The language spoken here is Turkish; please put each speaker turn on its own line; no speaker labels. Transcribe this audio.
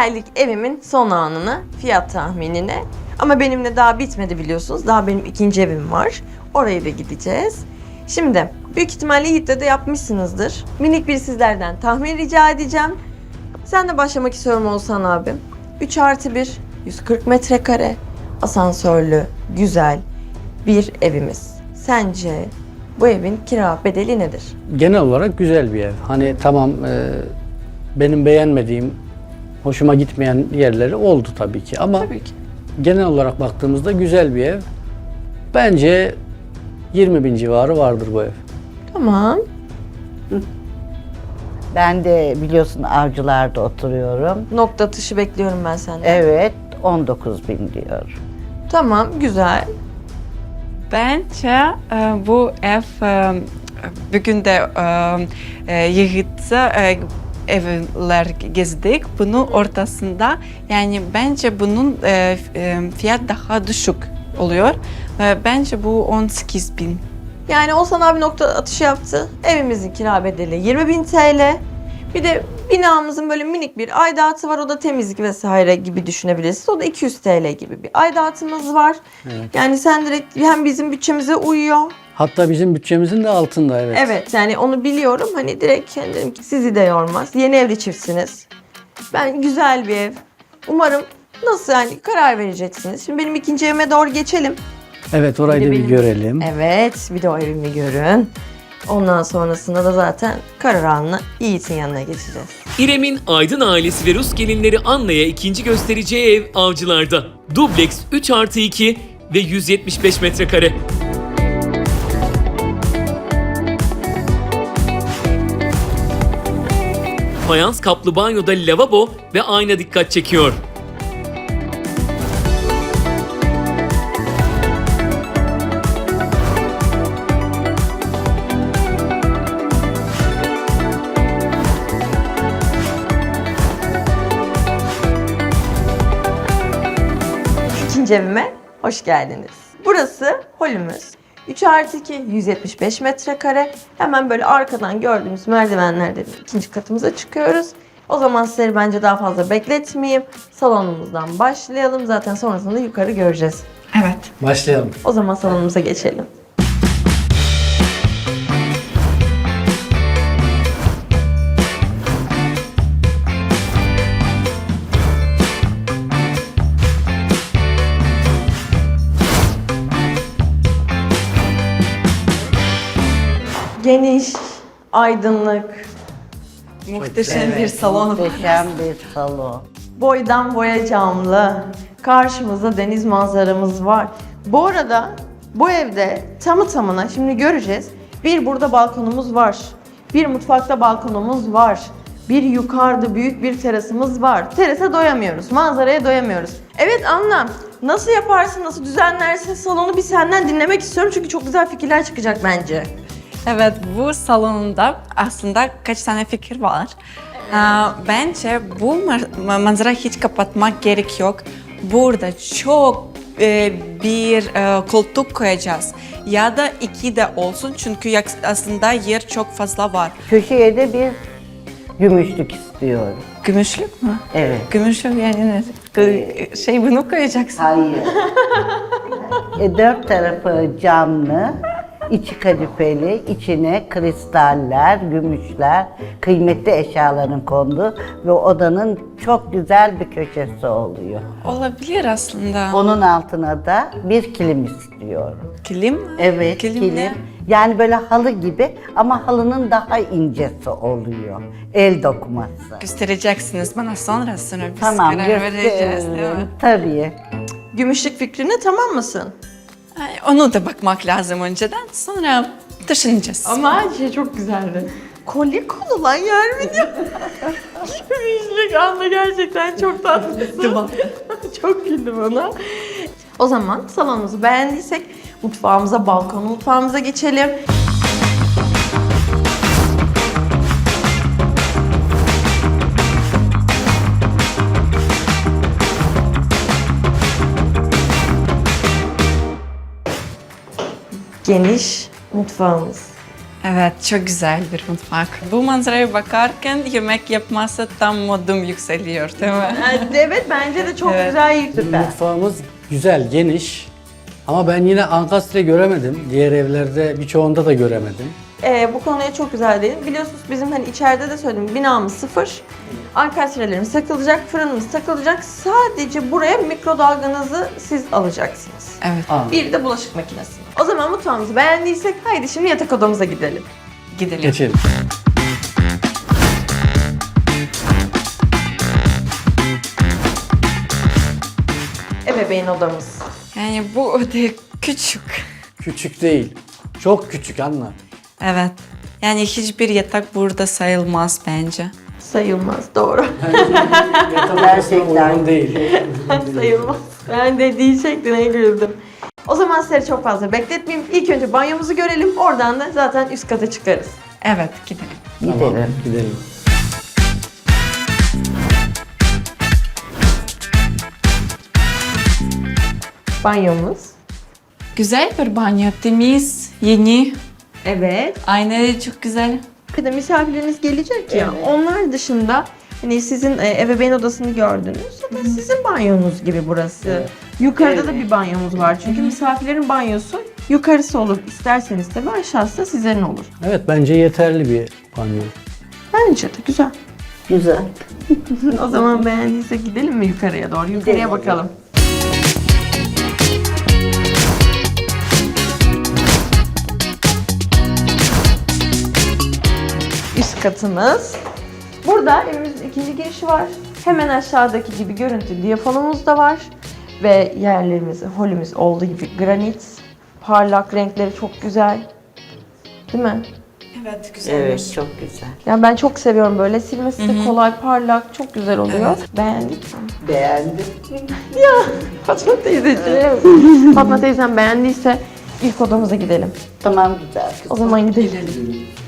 Geldik evimin son anına, fiyat tahminine. Ama benimle daha bitmedi biliyorsunuz. Daha benim ikinci evim var. Oraya da gideceğiz. Şimdi büyük ihtimalle Yiğit'le de yapmışsınızdır. Minik bir sizlerden tahmin rica edeceğim. Sen de başlamak istiyorum Oğuzhan abim. 3+1, 140 metrekare, asansörlü, güzel bir evimiz. Sence bu evin kira bedeli nedir?
Genel olarak güzel bir ev. Hani tamam benim beğenmediğim, hoşuma gitmeyen yerleri oldu tabii ki ama
Tabii ki.
genel olarak baktığımızda güzel bir ev. Bence 20.000 civarı vardır bu ev.
Tamam.
Ben de biliyorsun Avcılar'da oturuyorum.
Nokta atışı bekliyorum ben senden.
Evet, 19.000 diyor.
Tamam, güzel.
Bence bu ev bugün de Yiğit'e evler gezdik. Bunun ortasında yani bence bunun fiyat daha düşük oluyor. Bence bu 18.000.
Yani Oğuzhan abi nokta atışı yaptı. Evimizin kira bedeli 20.000 TL. Bir de binamızın böyle minik bir aidatı var. O da temizlik vesaire gibi düşünebilirsiniz. O da 200 TL gibi bir aidatımız var.
Evet.
Yani sen direkt hem bizim bütçemize uyuyor.
Hatta bizim bütçemizin de altında, evet.
Evet, yani onu biliyorum. Hani direkt kendim sizi de yormaz. Yeni evli çiftsiniz. Ben güzel bir ev. Umarım nasıl yani karar vereceksiniz. Şimdi benim ikinci evime doğru geçelim.
Evet, orayı
Bir de
da bir
benim-
görelim.
Evet, bir de o evimi görün. Ondan sonrasında da zaten karar anına Yiğit'in yanına geçeceğiz.
İrem'in Aydın ailesi ve Rus gelinleri Anna'ya ikinci göstereceği ev Avcılar'da. Dubleks 3+2 ve 175 metrekare. Fayans kaplı banyoda lavabo ve ayna dikkat çekiyor.
İkinci evime hoş geldiniz. Burası holümüz. 3+2, 175 metrekare. Hemen böyle arkadan gördüğümüz merdivenlerden ikinci katımıza çıkıyoruz. O zaman sizleri bence daha fazla bekletmeyeyim. Salonumuzdan başlayalım. Zaten sonrasında yukarı göreceğiz.
Evet.
Başlayalım.
O zaman salonumuza geçelim. Geniş, aydınlık,
Muhteşem bir salon.
Muhteşem bir salon.
boydan boya camlı. Karşımızda deniz manzaramız var. Bu arada bu evde tamı tamına şimdi göreceğiz. Bir burada balkonumuz var. Bir mutfakta balkonumuz var. Bir yukarıda büyük bir terasımız var. Terasa doyamıyoruz. Manzaraya doyamıyoruz. Evet Anna, nasıl yaparsın, nasıl düzenlersin salonu bir senden dinlemek istiyorum. Çünkü çok güzel fikirler çıkacak bence.
Evet, bu salonda aslında kaç tane fikir var. Bence bu manzarayı hiç kapatmak gerek yok. Burada çok bir koltuk koyacağız. Ya da 2 de olsun çünkü aslında yer çok fazla var.
Köşeye de bir gümüşlük istiyorum.
Gümüşlük mü?
Evet.
Gümüşlük yani şey bunu koyacaksın.
Hayır. 4 tarafı camlı, içi kadifeli, içine kristaller, gümüşler, kıymetli eşyaların kondu ve odanın çok güzel bir köşesi oluyor.
Olabilir aslında.
Onun altına da bir kilim istiyorum.
Kilim mi?
Evet,
Kilim ne?
Yani böyle halı gibi ama halının daha incesi oluyor. El dokuması.
Göstereceksiniz bana sonra biz
Tamam,
karar vereceğiz değil mi?
Tabii.
Gümüşlük fikrine tamam mısın?
Ay, onu da bakmak lazım önceden sonra taşınacağız.
Ama şey çok güzeldi. Kolye konulan yer mi diyor? Gümüşlük Anna gerçekten çok tatlısın. Çok güldüm ona. O zaman salonumuzu beğendiysek mutfağımıza, balkon mutfağımıza geçelim. Geniş mutfağımız.
Evet, çok güzel bir mutfak. Bu manzaraya bakarken yemek yapması tam modum yükseliyor, değil mi?
Evet, bence de çok
Evet.
güzel. Süper.
Mutfağımız güzel, geniş. Ama ben yine ankastre göremedim. Diğer evlerde birçoğunda da göremedim.
Bu konuya çok güzel değin. Biliyorsunuz bizim hani içeride de söyledim, binamız sıfır. Ankastrelerimiz takılacak, fırınımız takılacak. Sadece buraya mikrodalganızı siz alacaksınız.
Evet,
Bir de bulaşık makinesi. O zaman mutfağımızı beğendiysek haydi şimdi yatak odamıza gidelim.
gidelim.
Geçelim.
Ebeveyn odamız.
Yani bu oda küçük.
Küçük değil. Çok küçük Anna.
Evet. Yani hiçbir yatak burada sayılmaz bence.
Sayılmaz, doğru.
Gerçekten.
Uygun değil.
Sayılmaz. Ben de diyecektim, güldüm. O zaman sizleri çok fazla bekletmeyeyim. İlk önce banyomuzu görelim. Oradan da zaten üst kata çıkarız.
Evet, gidelim.
Tamam, gidelim.
Banyomuz.
Güzel bir banyo, temiz, yeni.
Evet.
Aynaları çok güzel.
Bir de misafirleriniz gelecek ya. Onlar dışında hani sizin ebeveyn odasını gördünüz. Zaten sizin banyonuz gibi burası. Yukarıda da bir banyomuz var. Çünkü misafirlerin banyosu yukarısı olur. İsterseniz tabii aşağısı da sizlerin olur.
Evet, bence yeterli bir banyo.
Bence de güzel.
Güzel.
O zaman beğendiyse gidelim mi yukarıya doğru? Yukarıya
Gidelim.
bakalım. Üst katımız. Burada evimizin ikinci girişi var. Hemen aşağıdaki gibi görüntü diyafonumuz da var. Ve yerlerimiz, holümüz olduğu gibi granit. Parlak, renkleri çok güzel. Değil mi?
Evet, güzel.
Evet, çok güzel.
Yani ben çok seviyorum böyle. Silmesi de kolay, parlak, çok güzel oluyor. Beğendik mi?
Beğendim.
Ya Fatma teyzeciğim. Fatma teyzem beğendiyse ilk odamıza gidelim.
Tamam, güzel.
O zaman gidelim.